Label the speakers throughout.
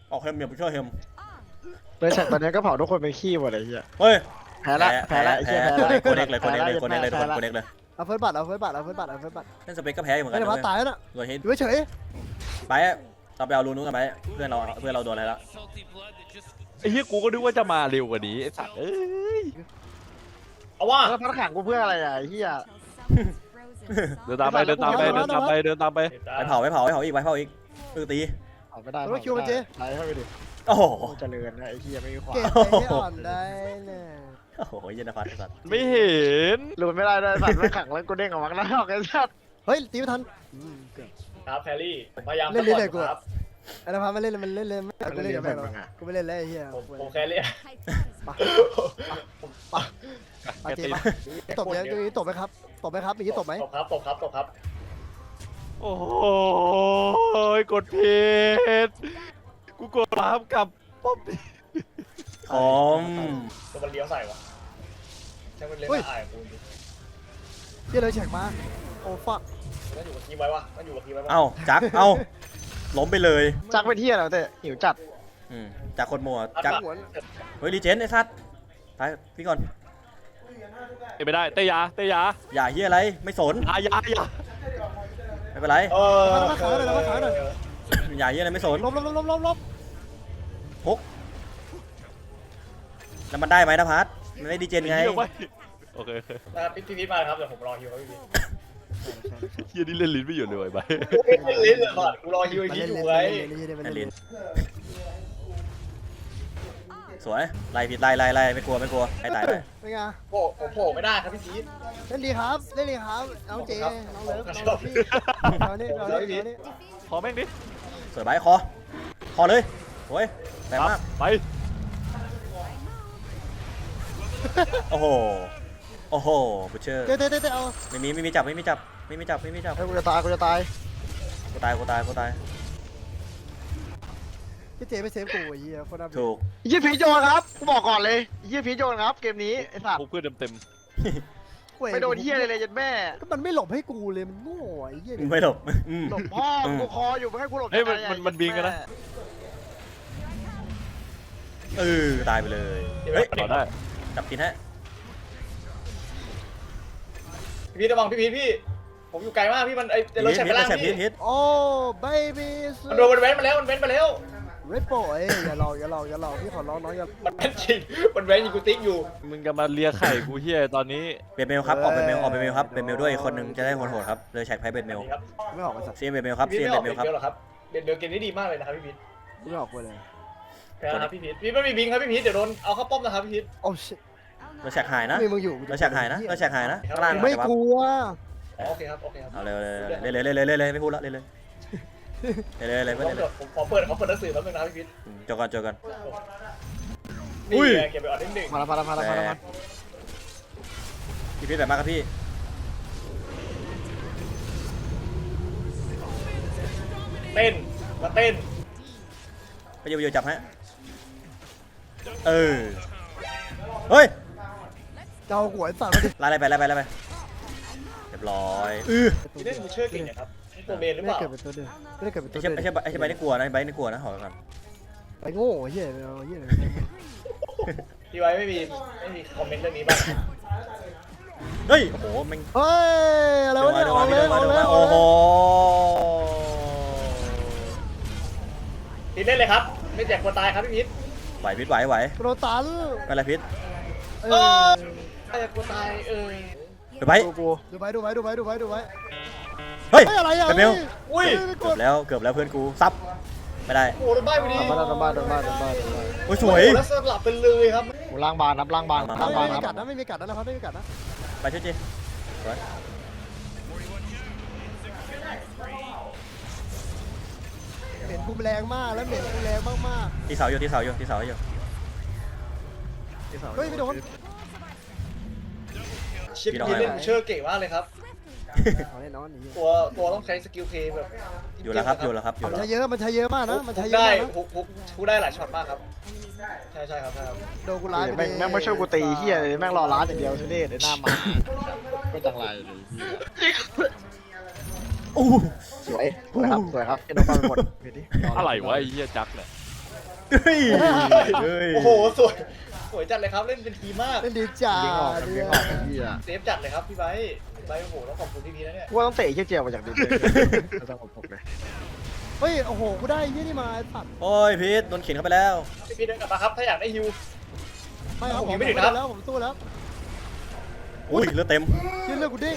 Speaker 1: ออกเฮมอย่าไปช่วยเฮม
Speaker 2: เลยแฉกตอนนี้ก็เผาทุกคนเป็นขี้หมดเลยเฮีย
Speaker 1: เฮ้ย
Speaker 2: แพ้ละไอ้เฮียแพ้ละ
Speaker 1: โคเด็กเลยโคเด็กเลยโคเด็กเลยทุกคนโคเด็กเลย
Speaker 3: เอาเฟิร์สบัตรเอาเฟิร์สบัตรเอาเฟิร์สบัตรเอาเฟิร์สบัตร
Speaker 1: เล่นสเปกก็แพ้เหมือนกั
Speaker 3: ไม่
Speaker 1: น
Speaker 3: ได้พัดตายแล้วน่ะ
Speaker 1: ตัวฮิต
Speaker 3: อยู่เฉย
Speaker 1: ไปเราไปเอารูนู้นกันไปเพื่อนเราโดนอะไรแล้ว
Speaker 4: ไอ้เหี้ยกูก็นึกว่าจะมาเร็วกว่านี้ไอ้สัตว์เอ้ย
Speaker 5: เอาว่า
Speaker 2: แล้วพัดขังกูเพื่ออะไรอ่ะไอ้เฮีย
Speaker 4: เดินตามไปเดินตามไปเดินตามไปเดินตามไป
Speaker 1: ไปเผาอีกตี
Speaker 2: เอาไม่ได้
Speaker 3: ๆแล้วคิวมันเจ๊
Speaker 2: ไล่เข้าไปดิ
Speaker 1: โอ้โห
Speaker 2: เจริญนะไอ้เฮียไม่มีความ
Speaker 3: เก็บไปให้อ่อนได้เนี่ย
Speaker 1: โอ้โหเย็นนะพัดสัตว์
Speaker 4: ไม่เห็น
Speaker 2: หลุดไม่ได้ด้วยสัตว์ไม่ขังแล้วกูเด้งออกมาแล้วไอ้สัตว์
Speaker 3: เฮ้ยตีไม่ทันเกือบ
Speaker 5: ครับแครี่พยายาม
Speaker 3: เล่นลิ้นเลยกู
Speaker 5: ครับ
Speaker 3: ไอ้นภัสมันเล่นมันเล่นไม่กูเล่นกับแม่งหรอกกูไม่เล่นแล้วไอ้เหี้ย
Speaker 5: ผมแครี่
Speaker 3: มาเจ๊ปะตบยังตบไหมครับตบไหมครับอย่างนี้ตบไหม
Speaker 5: ตบครับตบครับตบครับ
Speaker 4: โอ้ยกดผิดกูกดรับกับป๊อป
Speaker 1: ผม
Speaker 5: ตัวมันเลี้ยวใส่วะใช่มันเล่นได้กูจริง
Speaker 3: เหี้ยเลยแฉกมาโอ้ฟัก
Speaker 5: มันอยู่กับทีมไว้วะมันอยู่กับทีมไว้วะ
Speaker 1: เอ้าจักเอ้าล้มไปเลย
Speaker 2: จักเป็นเฮียแล้วแต่หิวจัด
Speaker 1: จากคนมัว
Speaker 5: จั
Speaker 1: จั
Speaker 5: ก
Speaker 1: กเฮ้ยรีเจนไอ้สัตว์ไปพี่ก่อน
Speaker 4: ไม่ได้เตยา
Speaker 1: อย่าเฮียอะไรไม่สน
Speaker 4: อย่า
Speaker 1: ไม่เป็นไร
Speaker 3: มาขาหน่อยมาขาหน่อย
Speaker 1: อย่าเฮียอะไรไม่สน
Speaker 3: ลบ
Speaker 1: ฮกแล้วมันได้ไหมนะพัทมันไม่ดีเจนไง
Speaker 4: โอเค
Speaker 5: พี่พีทมาครับเดี๋ยวผมรอฮิวครับพี่พีท
Speaker 4: เฮียนี่เล่นลิ้นไม่หยุดเลยไป
Speaker 5: ไม่เล่นเลยก่อนกูรอฮิวไอ้พีทอยู่ไว้
Speaker 1: นั่นลินสวยไล่ผิดไล่ไม่กลัวให้ตายไป
Speaker 3: เป็นไง
Speaker 5: ผมโผล่ไม่ได้ครับพี่พีท
Speaker 3: เล่นดีครับเล่นดีครับน้องเจน้องเลิฟน้องพี่เอานี่
Speaker 4: ขอแม่งดิ
Speaker 1: สวยไปคอเลยโอ้ยแรงมาก
Speaker 4: ไป
Speaker 1: โอ้โหบูเชอร์
Speaker 3: เตะเอา
Speaker 1: ไม่มีจับ
Speaker 2: ไอ้กูจะตาย
Speaker 1: กูตาย
Speaker 3: พี่เจไม่เซฟกูไอ้เหี้ยคนน่า
Speaker 1: ถูก
Speaker 2: เฮียพีโยนครับกูบอกก่อนเลยเฮียพีโยนครับเกมนี้ไอ้สัตว์
Speaker 4: กูเพื่อนเต็ม
Speaker 2: ไม่โดนเฮียเลยยันแม่
Speaker 3: ก็มันไม่หลบให้กูเลยมันโง่ไอ้เหี้ย
Speaker 1: ไม่หลบ
Speaker 2: หลบพ่อกูคออยู่ไม่ให้กูหลบ
Speaker 4: เฮ้ยมันบินกันนะ
Speaker 1: ตายไปเลย
Speaker 4: เฮ้ยต่อได้
Speaker 1: จับกินฮะ
Speaker 5: พี่พีทระวังพี่พีทพี่ผมอยู่ไกลมากพี่มันไอ้รถแฉกไปล่างพี่
Speaker 1: ฮิต
Speaker 3: โอ้เบบี้
Speaker 5: มันโดนมันเว้นมาแล้วมันเว้นมาแล้ว
Speaker 3: เรดโป้อย่าหลอกพี่ขอร้องน้องอย่า
Speaker 5: มันเว้นจริงมันเว้นยิงกูติ๊กอยู่
Speaker 4: มึงจะมาเลียไข่กูเฮียตอนนี้
Speaker 1: เบนเมลครับออกเบนเมลครับเบนเมลด้วยคนหนึ่งจะได้โหดครับเลยแฉกไพ่เบนเมล
Speaker 5: ครับ
Speaker 3: ไม่ออกมาสัตว์
Speaker 1: เซียนเบนเมลครับ
Speaker 5: พี่
Speaker 1: เซียน
Speaker 5: ไม่
Speaker 1: เบ
Speaker 5: ออน ก
Speaker 1: เมลครับ
Speaker 5: เบลหรอครับเบลเกมนี้ดีมากเลยนะครับพี่พีท
Speaker 3: ไม่ออกเลย
Speaker 5: ครับพี่พีทพี่ไม่มีบิงครับพี่พีทเดี๋ยวโดนเอาเข้าป้อมนะครับพี่พีท
Speaker 3: โอ้ชิ
Speaker 1: เราแฉกหายนะ
Speaker 3: ไม่มึงอยู่
Speaker 1: เราแฉกหายนะข้างล่าง
Speaker 3: ไม่กลัว
Speaker 5: โอเคครับโอเคครับ
Speaker 1: เอาเลยไม่พูดแล้วเลยไม่เลย
Speaker 5: ผมขอเปิดหนังสือแป๊บนึงนะครับพี่พีท
Speaker 1: จบก่อน
Speaker 5: นี่เก็บไปออดนิดหนึ่ง
Speaker 2: มา
Speaker 1: พี่แบบมากครับพี่
Speaker 5: เต้นมาเต้น
Speaker 1: ไปโยจับฮะเฮ้ย
Speaker 3: เจ้าหัวสัตว์มาดิ
Speaker 1: ไล่ไปเรียบร้อย
Speaker 5: พี่เล่นมูเชอร์เก่งนะครับตัวเมนหรือ
Speaker 3: ไม่
Speaker 5: เปล่า
Speaker 3: เกิดเป็นตัวเดิมไม่ได้เกิดเป็นตัว
Speaker 1: ไอ้
Speaker 3: เดิม
Speaker 1: ใช่ใบนี่กลัวนะใบนี่กลัวนะหอกัน
Speaker 3: ไปโง่เหี้ยเหี้ย
Speaker 5: พี่ไว้ไม่มีคอมเมนต์เรื่องนี้บ้าง
Speaker 1: เฮ้ยโอ้โหมัน
Speaker 3: เฮ้ยอะไรวะเนี่ย
Speaker 1: โอ้โห
Speaker 5: พี่เล่นเลยครับไม่แจกคนตายครับพี่พีท
Speaker 1: ไหวพิษไหว
Speaker 3: โรตัน
Speaker 1: อะไรพิษ
Speaker 5: ไม่แจกคนตาย
Speaker 1: เดี๋ยวไป
Speaker 3: ดูไว้
Speaker 1: เฮ้ย
Speaker 3: อะไรอ่ะ
Speaker 1: เบล
Speaker 5: อุ้ย
Speaker 1: เกือบแล้วเพื่อนกูซับไม่ได้
Speaker 5: โอ้โดนใบไปดิ
Speaker 2: โดนบ้าน
Speaker 1: โอ้ยสวย
Speaker 5: แล้วสลับไปเลยครับ
Speaker 2: กูล้างบานครับ
Speaker 3: ไม่มีกัดนะไม่มีกัดนะครับไม่มีกัดนะ
Speaker 1: ไปช่วยจีสวย
Speaker 3: เหม็นกูแรงมากแล้วเหม็นกูแรงมาก
Speaker 1: ที่เสาอยู่
Speaker 3: เฮ้ยไม่โดน
Speaker 5: ชิปพี่เล่นมูเชอร์เก่งมากเลยครับ
Speaker 3: เอาแน่นอนนี่
Speaker 5: ตัวต้องใช้สกิลเพย์แบบ
Speaker 1: อยู่แล้วครับ
Speaker 3: มันใช้เยอะมากนะมันใช้เยอะ
Speaker 5: ได้
Speaker 3: มากนะ
Speaker 5: ฮุกได้หลายช็อตมากครับใช่ครับ
Speaker 3: โดนกูร้าย
Speaker 2: แม่งไม่ช่วยกูตีเฮียเลยแม่งรอร้านอย่างเดียวทุเรศในหน้ามาก็จังไรเลย
Speaker 1: อู้
Speaker 2: สวยครับเอ็นโดนมาหมด
Speaker 4: อะไรวะไอ้เฮียจักเนี่ย
Speaker 1: เฮ้ยเฮ้ย
Speaker 5: โอ้โหสวยสวยจัดเลยครับเล่นเป็นทีมมาก
Speaker 3: เล่นดีจ้า
Speaker 2: เลี้ยงออกเลี้ยงออกไอ้เหี้ย
Speaker 5: เซฟจัดเลยครับพี่ไบค์พี่ไบค์โอ้โหต้องขอบคุณพี่พีนะเนี่ย
Speaker 2: กูว่าต้องเตะไอ้เหี้ยเจียวมาจากดินเลยไม่ต้องผมเลย
Speaker 3: เฮ้ยโอ้โหกูได้ยี่นี่มาไอ้สัตว์
Speaker 1: โอ้ยพีทโดนเข็นเข้าไปแล้ว
Speaker 5: พี่พีเดินกลับมาครับถ้าอยากได้ฮิว
Speaker 3: ไม่ครับ
Speaker 5: ผม
Speaker 3: ผม
Speaker 5: ยังไม่ถึงนะครับ
Speaker 3: แล้วผมสู้แล้ว
Speaker 1: อุ้ยเลือดเต็ม
Speaker 3: ยืนเลือกกูดิ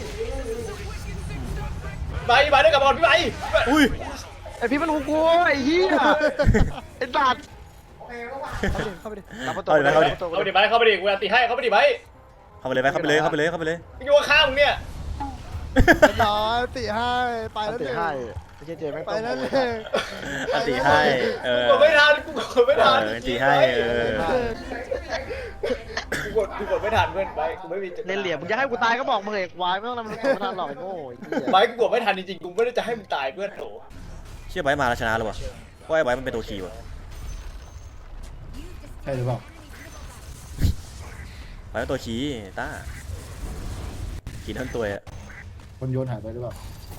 Speaker 5: ไบค์เดินกลับมาก่อนพี่ไบค์
Speaker 1: อุ้ย
Speaker 2: ไอพี่มันหูกูไอ้เหี้ยไอ้สัตว์
Speaker 3: เข้าไปดิ
Speaker 2: รับประตู
Speaker 5: เข้าไปดิไบค์เข้าไปดิกูอันตีให้เข้าไปดิไบค์
Speaker 1: เข้าไปเลยไปเข้าไปเลยเข้าไปเลยเข้าไปเลย
Speaker 5: มึงอยู่ข้างมึงเนี่ย
Speaker 3: ต่อตีให้ไป
Speaker 2: อั
Speaker 3: แล้
Speaker 2: น
Speaker 3: ว
Speaker 2: ติ
Speaker 3: เนี่ย
Speaker 2: ให้ไอ้เหี้ยเจแม่ง
Speaker 3: ไป
Speaker 2: ต้ม
Speaker 3: แล้ว
Speaker 2: เล
Speaker 3: เนี่ย ย
Speaker 1: อันตีให้เอ
Speaker 5: กู
Speaker 1: อก
Speaker 5: ดไม่ทันกูกดไม่ทัน
Speaker 1: อันตีให้
Speaker 5: กูกดไม่ทันเพื่อนไบค์กูไม่มี
Speaker 2: เล่นเหลี่ยมมึงจะให้กูตายก็บอกมึงเอกวายไม่ต้องทำมันตัวไม่ทันหรอกไอ้โง่ไอ้เหี้ย
Speaker 5: ไบค์กูกดไม่ทันจริงๆกูไม่ได้จะให้มึงตายเพื่อนโถ
Speaker 1: เชื่อไบมาแล้วชนะหรอวะว่าไอ้ไบมันเป็นตัวคีย์วะ
Speaker 6: ใช่หรือเปล่า
Speaker 1: ไบเป็นตัวคีย์ต้าคีย์ทั้งตัวอะ
Speaker 6: คนโยนหายไปหรือเปล่า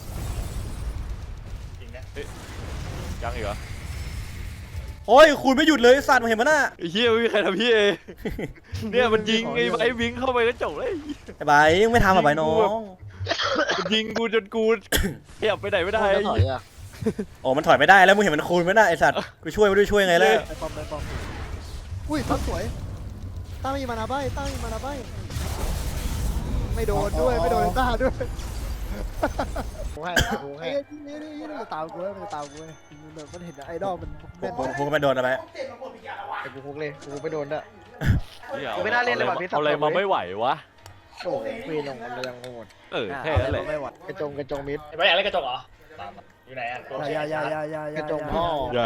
Speaker 5: จริงนะ
Speaker 4: ยังอีกเหรอ
Speaker 1: โอ้ยคุณไม่หยุดเลยสัตว์มาเห็นมั้ยน่ะ
Speaker 4: ไอ้เหี้ยไม่มีใครทำพี่เอเนี่ยมันยิงไอ้ไอ้วิ่งเข้าไปแล้วจบเลย
Speaker 1: ไอ้ไบยังไม่ทำอ่ะไบน้อง
Speaker 4: มันยิงกูจนกูขยับไปไหนไม่ได้
Speaker 2: ได้ถอยอ่ะ
Speaker 1: โอ้มันถอยไม่ได้แล้วมึงเห็นมันคูณไหมน่ะไอ้สัตว์กูช่วยไม่รู้ช่วยไงแล้ว
Speaker 3: ไปปอมไปปอมอุ้ยทัสวยต้ามีมานาใบต้ามีมานาใบไม่โดนด้วยไม่โดนต้าด้วย
Speaker 2: กูให้กู
Speaker 3: ไอ้
Speaker 2: ให้
Speaker 3: นี่มันจะตามกูมันจะตามกูมันเห็นไอดอลมัน
Speaker 1: พวกก็ไม่โดนนะไบ
Speaker 2: ไอ้กูคุกเลยกูไม่โดนด้วย
Speaker 4: หี้ย
Speaker 2: กูไม่น่าเล่นเลยว่ะพี่
Speaker 4: เอาอะไรมาไม่ไหววะ
Speaker 2: โอ้โหปีนลงมันยังโหด
Speaker 4: แค่นั้นแหละ
Speaker 2: ไม่ไหวกระจงมิด
Speaker 5: ไอ้ไบค์อยากเล่นกระจกเหรออยู่ไหนอ่ะ
Speaker 2: กระจงพ่อ
Speaker 4: อย่า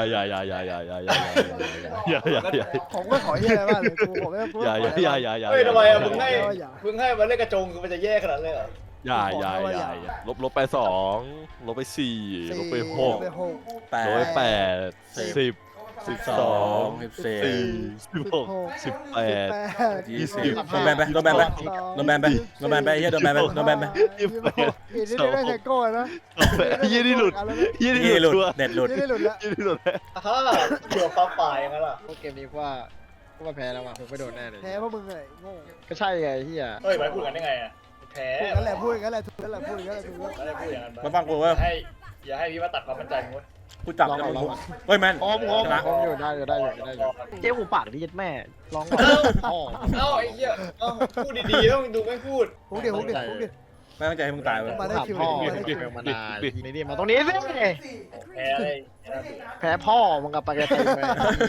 Speaker 4: อย่า
Speaker 3: ผมก็ขอเฮียอะไรบ้างเลยกูผมไม่พูด
Speaker 4: อย่า
Speaker 5: เฮ้ยทำไมอ่ะมึงให้มันเล่นกระจงคือมันจะแย่ขนาดนั้นเลยเหรอ
Speaker 4: อย่าลบไป2ลบไป4ลบไป6
Speaker 3: ไปหก
Speaker 1: แป
Speaker 4: ลบไป
Speaker 1: ด
Speaker 4: 8 10
Speaker 1: 12
Speaker 4: 14 16 18
Speaker 1: 20โดนแบนไปโดนแบนไปโดนแบนไปโดนแบนไปเฮียโดนแบนไปโดนแบนไป
Speaker 3: อีนี่ได้แค่โก้นะ
Speaker 4: ยี่นี่หลุดยี่
Speaker 1: นี่
Speaker 4: นี่
Speaker 1: ห
Speaker 4: ห
Speaker 1: ลุ
Speaker 4: ลุ
Speaker 1: ด
Speaker 4: ด
Speaker 1: เด็ดหลุด
Speaker 3: นี่ได้หลุดแล้ว
Speaker 4: ยี่นี่หลุด
Speaker 5: ฮ่าเกี่ยวฟ้าฝ่ายอย่างนั้นล่ะ
Speaker 2: พวกเกมนี้ว่าแพ้แล้วว่ะผมไม่โดนแน่เลย
Speaker 3: แพ้เพราะมึงไงโง่
Speaker 2: ก็ใช่ไงเฮีย
Speaker 5: เฮ้ยไบค์พูดกันได้ไงอ่ะแพ้
Speaker 3: พูดกันแหละพูดกันแหละถูกกันแหละพูดกันแหละถูก
Speaker 5: ไม่ได้พูดอย่างนั้น
Speaker 1: มาฟังกูว่า
Speaker 5: อย่าให้พี่มาตัดความมั่นใจมึงเว้ย
Speaker 1: กูจับแล้วมึงเฮ้ยแมน
Speaker 2: พร้อม
Speaker 1: ชนะ
Speaker 2: อยู่ได้อยู่เจ๊หูปากดิยัดแม่ร้องพ่อ
Speaker 5: เอ้าไอ้เหี้ยเอ้าพูดดีๆต้องดูไม่พูด
Speaker 3: พูดเดี๋ยวพูดเดี๋ยวพูดเดี๋ยว
Speaker 1: ไม่ตั้งใจให้มึงตายเว้ย
Speaker 3: มาได้คิว
Speaker 2: พ่อ
Speaker 3: ได้คิว
Speaker 2: มานานนี่มาตรงนี้สิ
Speaker 5: แพ้เลย
Speaker 2: แพ้พ่อมึงกับปากกาตีไป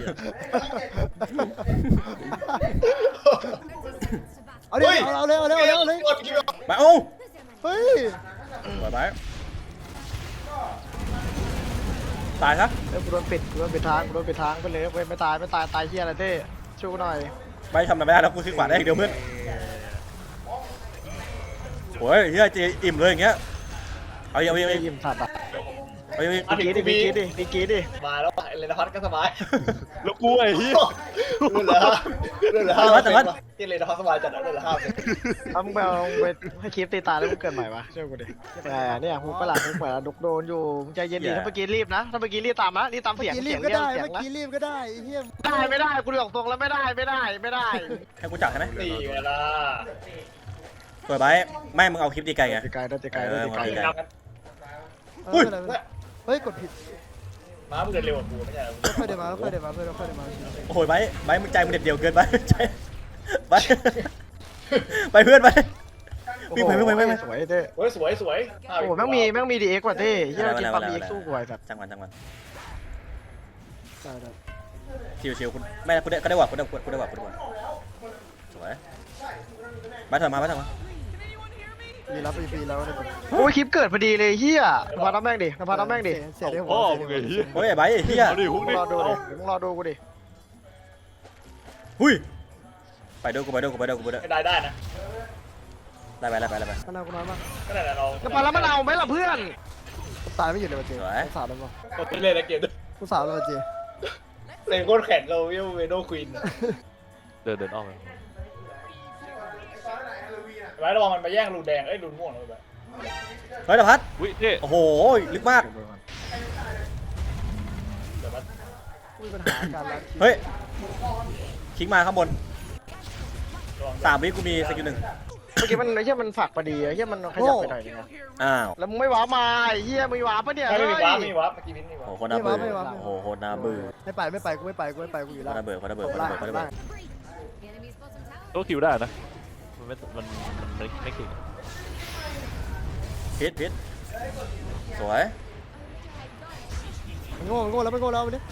Speaker 3: เอาดิเอาเลยเอาเลยเอาเลย
Speaker 1: ไปโอ้
Speaker 3: เฮ้ย
Speaker 1: ไปไปตายซะ
Speaker 2: กูโดนปิดทางไปเลยเว้ยไม่ตายตายเฮียอะไรเต้ชูหน่อย
Speaker 1: ไปทำอะไรไม่ได้แล้วกูคลิกขวาได้อย่างเดียวเพื่อนโอ้ยเฮียเจอิ่มเลยอย่างเงี้ยเอาอีก
Speaker 2: ยิ้มสัตว์อ่ะ
Speaker 1: เอาอีก
Speaker 2: พี่กี้ดิ
Speaker 5: มาแล้วเลนพัทก็สบาย
Speaker 4: แล้วกูไอ้เหี้ย
Speaker 5: เรื่องเหรอที่เลนพัทสบายจัดเรื่องเหรอครับ
Speaker 2: เอามึงไปให้คลิปตีตาแล้วมึงเกิดใหม่ปะเชื่อกูดิเนี่ยหูประหลาดหูประหลาดดุกโดนอยู่มึงใจเย็นดิถ้าเมื่อกี้รีบนะถ้าเมื่อกี้รีบตามนะรีบตามเสียง
Speaker 3: รี
Speaker 2: เสีย
Speaker 3: บ
Speaker 2: ง
Speaker 3: ก็
Speaker 2: เรียก
Speaker 3: ได้
Speaker 2: เสียง
Speaker 3: เมื่อ
Speaker 2: นะ
Speaker 3: กี้รีบก็ได้เฮีย
Speaker 2: ไม่ได้กูบอกตรงแล้วไม่ได้
Speaker 1: ให้กูจับใช่ไหม
Speaker 5: นี่ไงล่ะ
Speaker 1: เปิดไปไม่มึงเอาคลิปดีไกลไง
Speaker 2: ตีไกลได้ตีไกลได้ตีไกล
Speaker 3: เฮ้ยกดผิด
Speaker 5: ม้ามึงเดินเร็วกว่ากูไม่ใช่
Speaker 3: ค่อยเดินมาค่อยเดินมาเพื่อนค่อยเดินมา
Speaker 1: โอ้ยไปมึงใจมึงเด็ดเดียวเกินไปใจไปเพื่อนไปวิ่งไป
Speaker 2: สวยเต้
Speaker 5: เฮ้ยสวย
Speaker 2: โอ้แม่งมีดีเอ็กกว่าเต้เฮียเรากินปั๊มดีเอ็กสู้กว่าสัตว์
Speaker 1: จังหวะชิวคุณแม่คุณได้หวังคุณได้หวังสวยมาเถอะมา
Speaker 3: ปีแล้วปีแล้วเนี่ย
Speaker 2: โอ้ยคลิปเกิดพอดีเลยเฮียนภัสน้ำแม่งดิ
Speaker 3: เสียได้หัว
Speaker 4: พ่อมึงไอ้เหี้ย
Speaker 1: โอ้ยไอ้ใบเฮีย
Speaker 4: เอาดิฮุก
Speaker 2: มึ
Speaker 4: ดิ
Speaker 2: งรอดูดิมึงรอดูกูดิ
Speaker 1: หุ้ยไปด้วยกู
Speaker 5: ได้นะ
Speaker 1: ไป
Speaker 3: มันเอากูน้อยมาก
Speaker 5: ก็ได้เรา
Speaker 2: นภัสแล้วมันเอาไหมล่ะเพื่อน
Speaker 3: ตายไม่หยุดเลยเจกูสาวแล้วมั้ง
Speaker 5: ตัวเล่นนะเกมด้วย
Speaker 3: กูสาวแล้วเจ
Speaker 5: เล่นโคตรแข็งเราเวโนควีน
Speaker 4: เดินออกมา
Speaker 5: ไว้ระวังมันมาแย่งรูแดงเอ้ยรูม่วงเลยแบบ
Speaker 1: เฮ้ยนภัส
Speaker 4: วิเท่
Speaker 1: โอ้โหลึกมาก
Speaker 5: เดี๋ยวมัน
Speaker 3: มีปัญหาการรัด
Speaker 1: เฮ้ยคิงมาข้างบน3 วิกูมีสกิล 1
Speaker 2: เมื่อกี้มันไอ้เหี้ยมันฝักพอดีไอ้เหี้ยมันขยับไปหน่อยนึงอะ
Speaker 1: อ้าว
Speaker 2: แล้วมึงไม่ว้ามาไอ้เหี้ยมึงว้าปะเนี่ย
Speaker 5: ไม่
Speaker 2: เฮ้
Speaker 5: มีวาร์ป
Speaker 2: ย
Speaker 5: ไม่มีวาร์ปเมื่อกี้พินมีวา
Speaker 1: โอ้
Speaker 5: ร์ป
Speaker 1: โหคนน่าเบื่อโอ้โหคนน่าเบื่อ
Speaker 3: ไม่ไปกูไม่ไปกูอยู่
Speaker 1: ค
Speaker 3: แล้ว
Speaker 1: นน่าเบื่อคนน่าเบื่อคนน่าเบื่อคนน่าเบื่อคนน่าเบื่อ
Speaker 4: ตัวคิวได้นะมันไม่คิว
Speaker 1: พิษสวย
Speaker 3: มันโง่แล้วไปดิ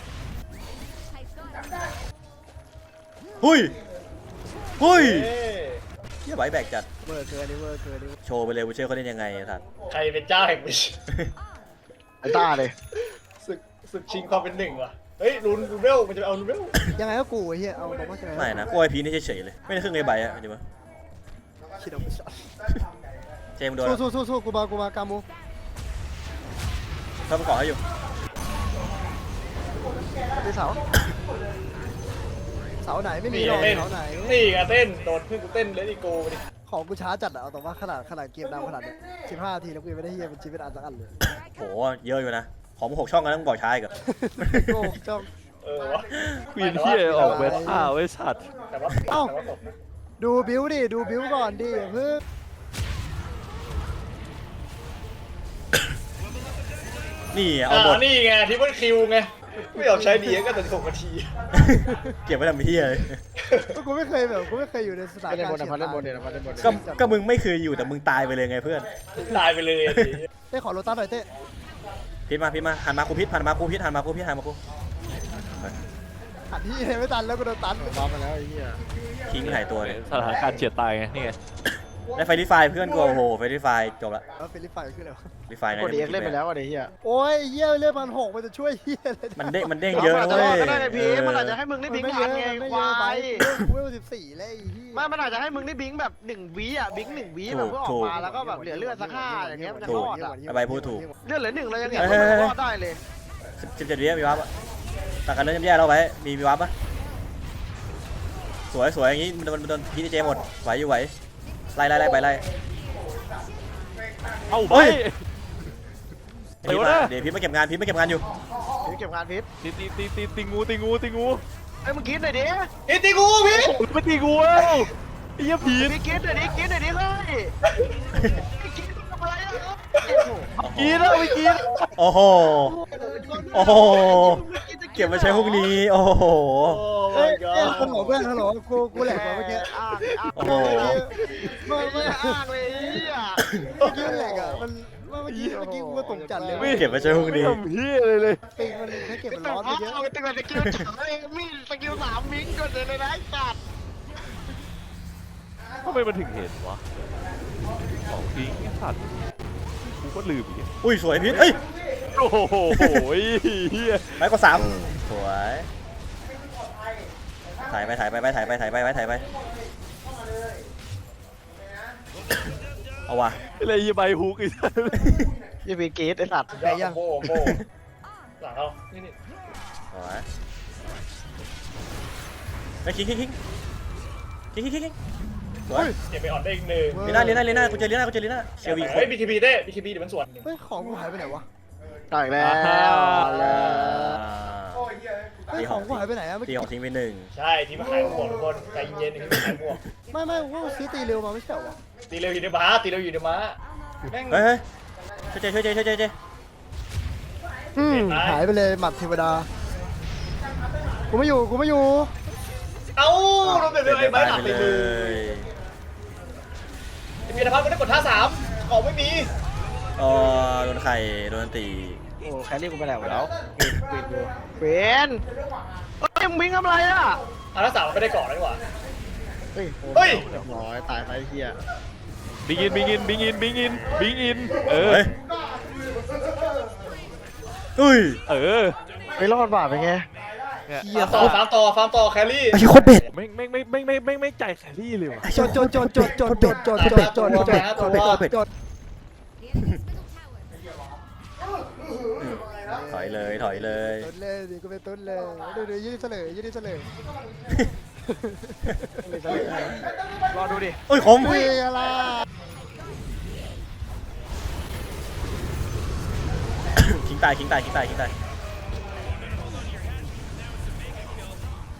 Speaker 1: หุ้ย
Speaker 5: เอ้ย
Speaker 1: เฮียไบแบกจัด
Speaker 3: เวอร์เกินนี่เวอร์เกินนี่
Speaker 1: โชว์ไปเลยวูเชอร์เขาเล่นยังไงสัตว์
Speaker 5: ใครเป็นเจ้าแห่งวิช
Speaker 2: ไอ้ต้าเลย
Speaker 5: ศึกชิงความเป็นหนึ่งว่ะเฮ้ยรูนเวลมันจะเอารูนเวล
Speaker 3: ยังไงก็กูไอ้เหี้ยเอาตรงว่าใช่ไหม
Speaker 1: ไม่นะกล้วยพีนี่เฉยๆเลยไม่ได้ครึ่งไอ้ใบอะจริงปะ
Speaker 3: คิดเอาไปช็อต
Speaker 1: เจมส์โดน
Speaker 3: สู้กูมากามู
Speaker 1: เขาไปเกาะให้อยู่
Speaker 2: ไปเสา
Speaker 3: เสาไหนไม่มีหรอกเสาไหน
Speaker 5: นี่ไงเต้นโดนเพื่อนกูเต้นเลดี้โกไปดิ
Speaker 3: ของกูช้าจัดอะเอาแต่ว่าขนาดเกมดำขนาดเนี้ย15 นาทีแล้วกูยังไม่ได้เฮียเป็นชีวิตอันสักอันเลย
Speaker 1: โหเยอะอยู่นะของมึง6 ช่องกันต้องบอกช้าอีกอะ
Speaker 3: โง่จ้อง
Speaker 5: เออวะ
Speaker 4: ควีนที่ออกเวท่าไว้สัตว์
Speaker 5: แต่ว่าตกนะ
Speaker 3: ดูบิวดิดูบิวก่อนดิเพื่อ
Speaker 1: นี่เอาหมด
Speaker 5: นี่ไงทิปเปิลคิวไงไม่ยอมใช้ดีก็แต่6 นาที
Speaker 1: เก็บไว้ทำเฮียเลย
Speaker 3: กูไม่เคยอยู่ในสถาน
Speaker 2: เล่น
Speaker 3: การ
Speaker 2: บ
Speaker 3: ณ์
Speaker 2: นนะพัดเล่นบนเนี่ยนะพัดเล่นบน
Speaker 1: ก็มึงไม่เคยอยู่แต่มึงตายไปเลยไงเพื่อน
Speaker 5: ตายไปเลย
Speaker 3: เต้ขอโรตัสหน่อยเต้
Speaker 1: พิษมาหันมากูพิษหันมากูหันมากู
Speaker 3: หันที่ไม่ตันแล้วกูโดนตัน
Speaker 2: ว้ามาแล้วไอ้เหี้ย
Speaker 1: ทิ้งหายตัวเลย
Speaker 4: สถานการณ์เฉียดตายไงนี่ไง
Speaker 1: ได้ไฟรีไฟเพื่อนกูโอ้โหไฟรีไฟจบละ
Speaker 3: แล้วเฟลิปไฟขึ้นแล้ว
Speaker 1: รีไฟไง
Speaker 2: กดเอ็กเล่นไปแล้วอ่ะไอ้เหี้ย
Speaker 3: โอ้ยเหี้ยเลือดมัน6มันจะช่วยเหี้ยอะไร
Speaker 1: มันเด้งเยอะนะ
Speaker 2: จะ
Speaker 1: เว้
Speaker 2: รอย ก็ได้ไงพี่มันอาจจะให้มึงได้บิง
Speaker 3: ไม่
Speaker 2: ทันไง
Speaker 3: ไม่
Speaker 2: ควา
Speaker 3: ไป
Speaker 2: ย
Speaker 3: เวล14แล้วไอ้เหี้ย
Speaker 2: ไม่มันอาจจะให้มึงได้บิงแบบ1 วิอ่ะบิง1 วิแบบเพื่อออกมาแล้วก็แบบเหลือเลือดสัก5อย่างเงี้ยมันจะรอดอ่ะ
Speaker 1: ใบพูดถูก
Speaker 2: เลือดเหลือ1เรายังเห็นว่ามันรอดได้เลย
Speaker 1: 17 วิมีวับอะตัดกันเริ่มแย่แล้วไว้มีวับปะสวยอย่างงี้มันโดนพีดีเจหมดไหวอยู่ไหวไล่ไปไล่
Speaker 4: เอ้าไป
Speaker 1: เฮ้ย
Speaker 4: เดี๋ยวนะ
Speaker 1: เดี๋ยวพีมาเก็บงานอยู่
Speaker 2: พี่เก็บงานพิษ
Speaker 4: ตีงู
Speaker 2: เอ้ยมึงคิดหน่อยดิ
Speaker 5: อิติกูพี่
Speaker 4: ไม่ตีงูเอ้าไอ้เหี้ยผี
Speaker 2: พี่คิดหน่อยดิเฮ้ยพี่คิดทำอะไรอ่ะ
Speaker 4: กินแล้วไม่กิน
Speaker 1: โอ้โหเก็บมาใช้พวกนี้โอ้โห
Speaker 3: เอ้ยฮัลโหลเพื่อนฮัลโหลกูแหลกกว่าเมื่อกี้
Speaker 2: อ้าง
Speaker 1: โอ้โห
Speaker 2: ไม่อ้างเลยอ่ะ
Speaker 3: เมื่อกี้แหลกอ่ะมันเมื่อกี้กูก็ตกจัดเลย
Speaker 1: เก็บมาใช้พวกนี้
Speaker 4: ทำเหี้ยเลย
Speaker 3: ปิงมันให้เก็บมันร้อนไปเยอะ
Speaker 2: เอาไปตั้งแต่สกิลฉายมีสกิล3มิงก่อนเลยนะไอ้สัตว์
Speaker 4: ทำไมมันถึงเห็นวะของพิงไอ้สัตว์กูก็ลืมอีก
Speaker 1: อุ้ยสวยพีทเอ้ย
Speaker 4: โอ้โหเหี้ย
Speaker 1: ไปกว่า3สวยถ่ายไปเอาว่ะ
Speaker 4: อะไรยี่ใบฮุกไอ้สัตว์
Speaker 2: ยี่ปีกีดไอ้สัตว์
Speaker 5: โบ้หลังเขานี่
Speaker 1: สวยไปคิงสวย
Speaker 5: เก็บไปออนได้อีกหนึ่ง
Speaker 1: ลีน่ากูเจอลีน่าเชลวี
Speaker 5: เฮ้ย BKB เดี๋ยวมันสวน
Speaker 3: เฮ้ยของกูหายไปไหนวะ
Speaker 2: ตายแล้ว
Speaker 3: เฮ้ยของกูหายไปไหนอะเมื่อ
Speaker 1: ตี
Speaker 3: กี้
Speaker 1: ของทิ้งไป1
Speaker 5: ใช่ที่มาขายหมวกทุกคนใจเย็นๆที่มาขายหมวก
Speaker 3: ไม่กูซื้อตีเร็วมาไม่ใช่เหรอ
Speaker 5: ตีเร็วอยู่ในม้าแม่ง
Speaker 1: เฮ้ยช่วยเจ
Speaker 3: หายไปเลยหมัดเทวดากูไม่อยู่
Speaker 5: เอ้าโดนเดี๋ยวไอ้ใบหลับไปเลยไอ้พีรพัฒน์ก็ได้กดท่า3ของไม่มี
Speaker 1: โดนไข่โดนตี
Speaker 2: โอ้แครี่กูไปไหนหมดแล้วเป็นเฮ้ยมึงบิงทำอะไรอ่ะ
Speaker 5: ท่า3ไม่ได้ก่อนแล้วดีกว่า
Speaker 2: เฮ้ย
Speaker 5: เฮ้ย
Speaker 2: เรียบร้อยตายไปเฮีย
Speaker 4: บิงอินเออ
Speaker 1: อุ้ย
Speaker 2: ไม่รอดบาปเป็นไง
Speaker 5: ฟาร์มต่อแครี่
Speaker 1: ไอ้โคตรเบ็ด
Speaker 4: ไม่ใจแครี่เลยว่ะ
Speaker 3: จด
Speaker 1: ถอยเลย
Speaker 3: ต้นเลยดิกูเป็นต้นเลยดูยืดเสลย
Speaker 2: รอดูดิ
Speaker 1: เอ้ยคม
Speaker 3: อุ้ยอะไร
Speaker 1: คิงตาย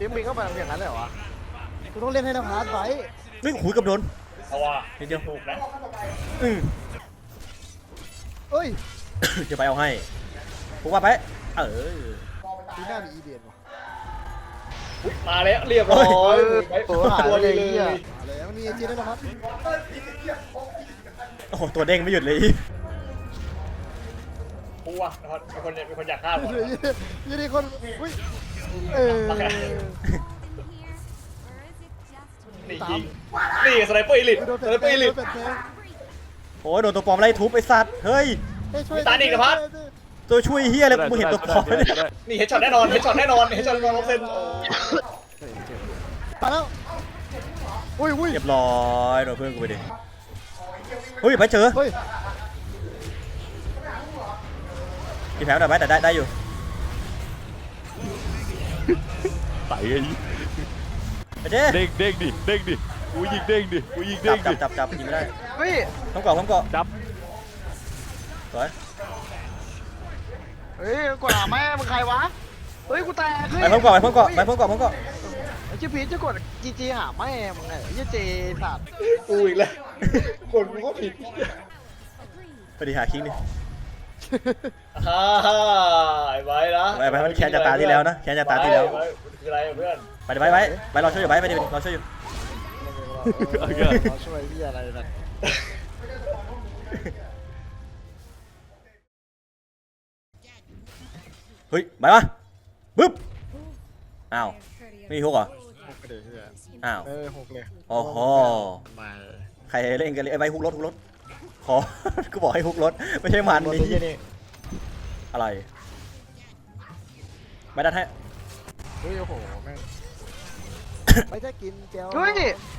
Speaker 2: ฟิล์มบินเข้าไปอย่างนั้นเลยเหรอวะ
Speaker 3: กูต้องเล่นให้นภัสไว้
Speaker 1: เฮ้ยหุยกับโดน
Speaker 5: เพราะว่า
Speaker 1: นิดเดียว
Speaker 5: ถูกนะ
Speaker 1: อืม
Speaker 3: เอ้ย
Speaker 1: จะไปเอาให้พวกว่าไป
Speaker 3: ทีหน้ามีอีเดียนว่ะ
Speaker 5: อุ๊ยมาแล้วเรียบร้อย
Speaker 2: ตัวหายเลยไอ้เหี้ย
Speaker 3: อะไรมันมีเอจีด้วยนะครับ
Speaker 1: โอ้โหตัวเด้งไม่หยุดเลย
Speaker 5: กูว่ะมีคนอยากฆ่าผม
Speaker 3: ยี่ดีคนอุ้ย
Speaker 5: นี่ยิงนี่สไนเปอร์อีลิท
Speaker 3: โดน
Speaker 5: สไนเปอร์อีลิท
Speaker 1: โอ้ยโดนตัวปลอมไล่ทุบไอ้สัตว์เฮ้ย ตัวช่วยเฮียอะไรมึงเห็นตัวปลอมไหมเนี่ย
Speaker 5: นี่เฮดช็อตแน่นอนเฮดช็อตแน่นอนเฮดช็อตแน่นอน100%โอ้
Speaker 3: ตายแล้วอุ้ย
Speaker 1: เรียบร้อยโดนเพื่อนกูไปดิเฮ้ยไปเจอ
Speaker 3: เฮ้ย
Speaker 1: กินแผลหน่อยไหมแต่ได้อยู่
Speaker 4: ใส่ไอ้
Speaker 1: ไปเจ๊
Speaker 4: เด้งเด้งดิเด้งดิกูยิงเด้งดิกูยิงเด้งดิ
Speaker 1: จับยิงไม่ได้
Speaker 2: เฮ้ย
Speaker 1: พร้อมเกาะพร้อมเกาะ
Speaker 4: จับ
Speaker 1: สวย
Speaker 2: เฮ้ยกดหาแม่มึงใครวะเฮ้ยกูแตกเฮ้ย
Speaker 1: ไปพร้อมเกาะไปพร้อมเกาะไปพร้อมเกาะพร้อมเกาะ
Speaker 2: ไอ้ชื่อพีชจะกดจีหาแม่มึงไงไอ้เจสัตว์
Speaker 5: กูอีกแล้วคนกูก็ผิด
Speaker 1: ไปดิหาคิงดิ
Speaker 5: ฮ่าไอ้ไว้นะ
Speaker 1: ไปมันแค้นจากตาที่แล้วนะแค้นจากตาที่แล้ว
Speaker 5: ไว้คืออะไรเพื่อน
Speaker 1: ไปดิไปรอช่วยอยู่ไปดิรอช่วยอยู่
Speaker 2: เราช่วยพี่อะไรนะ
Speaker 1: เฮ้ยไปวะบึ๊บอ้าวไม่มีฮุกเหรอ
Speaker 2: หกเลยเฮีย
Speaker 1: อ้าว
Speaker 2: หกเลย
Speaker 1: โอ้โห
Speaker 2: มา
Speaker 1: ใครเล่นกันเลยไอ้ใบฮุกรถขอ กูบอกให้ฮุกรถไม่ใช่มัน
Speaker 2: นี่
Speaker 1: นี่
Speaker 2: นี่
Speaker 1: อะไรไม่ได้ให้
Speaker 2: เฮ้ยโอ้โหแม่ง
Speaker 3: ไม่ได้กินแก้ว
Speaker 2: เฮ้ย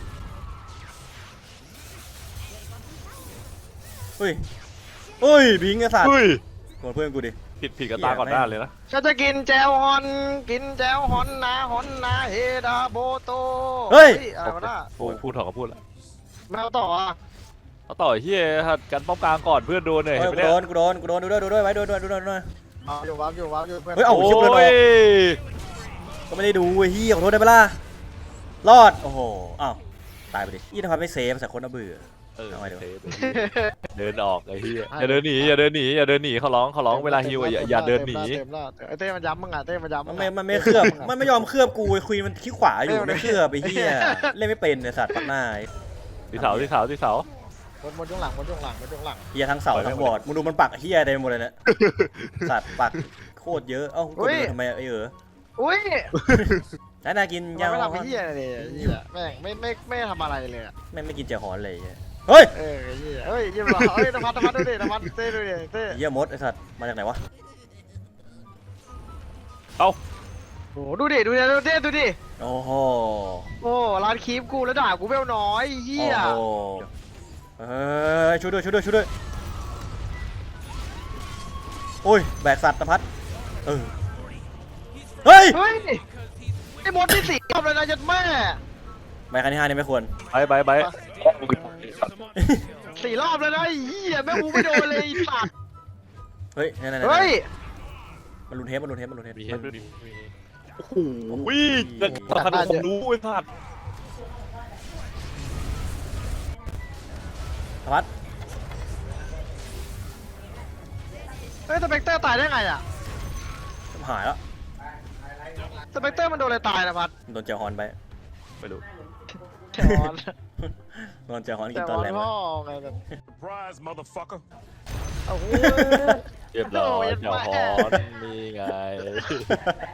Speaker 1: เฮ้ยบิงไอ้สัตว์
Speaker 4: เฮ้ย
Speaker 1: กดเพื่อนกูดิ
Speaker 4: ผิดกับตาก่อนหน้าเลยนะ
Speaker 2: ฉันจะกินแจวฮอนกินแจวฮอนนาเฮดาโบโตอะไรวะน่ะ
Speaker 4: พูดถอดก็พูดละ
Speaker 2: แมวต่ออ่ะ
Speaker 4: เอาต่อเฮียหัดกันป้อมกลางก่อนเพื่อนโดนเลย
Speaker 1: เฮ้
Speaker 4: เห็
Speaker 1: ย
Speaker 4: นไหม
Speaker 1: กู
Speaker 4: เนี่ย
Speaker 1: โดนดูด้วยไว้ดูด้วย
Speaker 2: อยู่วับอยู่เพื่อน
Speaker 1: เฮ้ยเอา
Speaker 4: โอ้
Speaker 1: ชิบเลย
Speaker 4: ย
Speaker 1: ก็ไม่ได้ดูไอ้เหี้ยขอโทษได้ไหมล่ะรอดโอ้โหอ้าวตายไปดิยี่ทำไมไม่เซฟสักคนน่ะเบื่อ
Speaker 4: เออ
Speaker 1: เอาไว้เดี๋ยว
Speaker 4: เดินออกไอ้เฮียอย่าเดินหนีอย่าเดินหนีเขาร้องเวลาฮิวอย่าเดินหนี
Speaker 2: เต็มแล้วไอ้เต้มันย้ำมึงอ่ะเต้มันย้ำ
Speaker 1: มันไม่เคลือบมันไม่ยอมเคลือบกูไอ้คุยมันขี้ขวาอยู่ไม่เคลือบไอ้เหี้ยเล่นไม่เป็นไอ้สัตว์ปักหน้า
Speaker 4: ที่เสา
Speaker 2: บนช่วงหลัง
Speaker 1: เหี้ยทั้งเสาทั้งบอร์ดมึงดูมันปักเหี้ยเต็มหมดเลยเนี่ยสัตว์ปักโคตรเยอะเอ้ากดทำไมไอ้
Speaker 2: อุ้ย
Speaker 1: น่ากินยาว
Speaker 2: ไม่ทำไอ้เหี้ยเลยแม่งไม่ทำอะไรเลย
Speaker 1: ไม่กินเจียวหอนเลยเฮ้ย
Speaker 2: ไอ้เหี้ยเฮ้ยยิ้มหรอเฮ้ยนภัสดูดินภัสเต้ดูดิเต้
Speaker 1: เหี้ยมดไอ้สัตว์มาจากไหนวะ
Speaker 2: โอ้ดูดิเต้ดูดิ
Speaker 1: โอ้โห
Speaker 2: โอ้ร้านคีบกูแล้วด่ากูเวลน้อยเหี้ย
Speaker 1: โอ้โหช่วยด้วยโอ้ยแบกสัตว์นภัสเฮ้ย
Speaker 2: เฮ้ยไอ้มดที่สี่รอบเลยนะยัดแม่
Speaker 1: ใบคันที่5นี่ไม่ควร
Speaker 4: ไป
Speaker 2: 4 รอบเลยนะไอ้เหี้ยแม่กูไม่โดนเลยไอ้สัตว์
Speaker 1: เฮ้ยนั่น
Speaker 2: เฮ้ย
Speaker 1: มันรุนเทป
Speaker 4: มีเฮ็ดด้วยดิโอ้โหวิ่งจะขนาดผมรู้ไอ้สัตว์
Speaker 1: นภัส
Speaker 2: เฮ้ยสเปกเตอร์ตายได้ไงอ่ะ
Speaker 1: หายแล้ว
Speaker 2: สเปกเตอร์มันโดนอะไรตายนะพัด
Speaker 1: โดนเจียวฮอนไป
Speaker 4: ไปดู
Speaker 2: แถวอน
Speaker 1: โดนเจียวฮอนกิ
Speaker 2: แถ
Speaker 1: น
Speaker 2: ว
Speaker 1: ตอน
Speaker 2: อน
Speaker 1: แรก
Speaker 2: พ่อไงแบบ
Speaker 6: Surprise, motherfucker.
Speaker 2: โอ้โห
Speaker 4: เรียบร้อยเจ้าฮอนนี่ไง